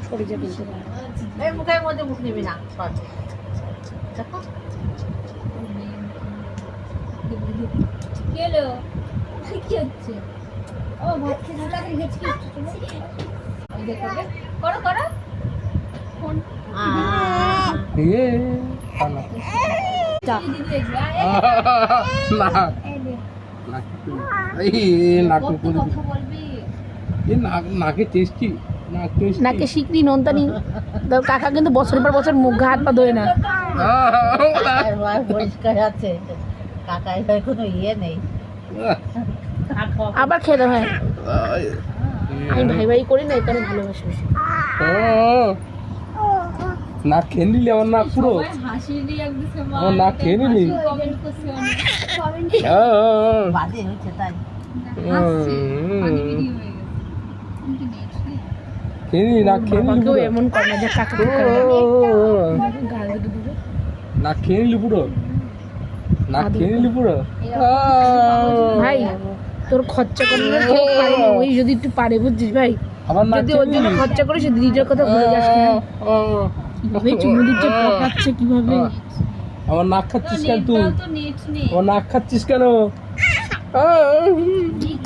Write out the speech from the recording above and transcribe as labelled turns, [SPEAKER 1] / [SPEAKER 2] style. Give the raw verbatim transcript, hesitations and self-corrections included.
[SPEAKER 1] কলিজা কিনতে পারে।
[SPEAKER 2] এই মুখের মধ্যে মুখ নিবি না দেখো
[SPEAKER 3] কি হলো কি হচ্ছে ও ভাত খেয়ে তাড়াতাড়ি গেছি ওই দেখো করো করো ফোন
[SPEAKER 4] এ খানা
[SPEAKER 3] দিদি দেখবে
[SPEAKER 4] না না এই নাক
[SPEAKER 3] কত কথা বলবি
[SPEAKER 4] এই নাক নাকে টেস্টি নাক টেস্টি
[SPEAKER 1] নাকে শিকড়ি নন্দানি তোর কাকা কিন্তু বছরের পর বছর মুখ হাত পা ধোয় না।
[SPEAKER 2] আর ভাই পরিষ্কার আছে কাকাই ভাই কোনো ইয়ে নেই
[SPEAKER 1] আবার খেতে হয়। আমি ভাই ভাই করি না, এটা ভালোবাসি।
[SPEAKER 4] নাক খেয়ে নিলি আমার নাক পুরো
[SPEAKER 3] সবাই হাসি রিয়াক্ট দিছে মা
[SPEAKER 4] আমার নাক খেয়ে নিলি
[SPEAKER 3] কমেন্ট করছে অনেক কমেন্ট
[SPEAKER 2] বাজে হচ্ছে তাই
[SPEAKER 3] হাসছে ফানি ভিডিও হয়ে গেছে কিন্তু নেট নেই
[SPEAKER 4] খেয়ে নিলি নাক খেয়ে নিলি
[SPEAKER 1] বাবাকেও
[SPEAKER 4] পুরো
[SPEAKER 1] এমন করে না যে কাকা গাল দুটো দিবে।
[SPEAKER 4] নাক খেয়ে নিলি পুরো নাক খেয়ে নিলি পুরো
[SPEAKER 1] ভাই তোর খরচা করলে কেউ পারে না, ওই যদি একটু পারে বুঝছিস ভাই,
[SPEAKER 4] আমার নাক
[SPEAKER 1] যদি ওর জন্য খরচা করে সে দিদিটার কথা ভুলে যাস না। কিভাবে চুমু দিচ্ছে, পটাচ্ছে কিভাবে।
[SPEAKER 4] আমার নাক খাচ্ছিস কেন তুই?
[SPEAKER 3] তো নেট নেই
[SPEAKER 4] আমার নাক খাচ্ছিস কেন?
[SPEAKER 3] কি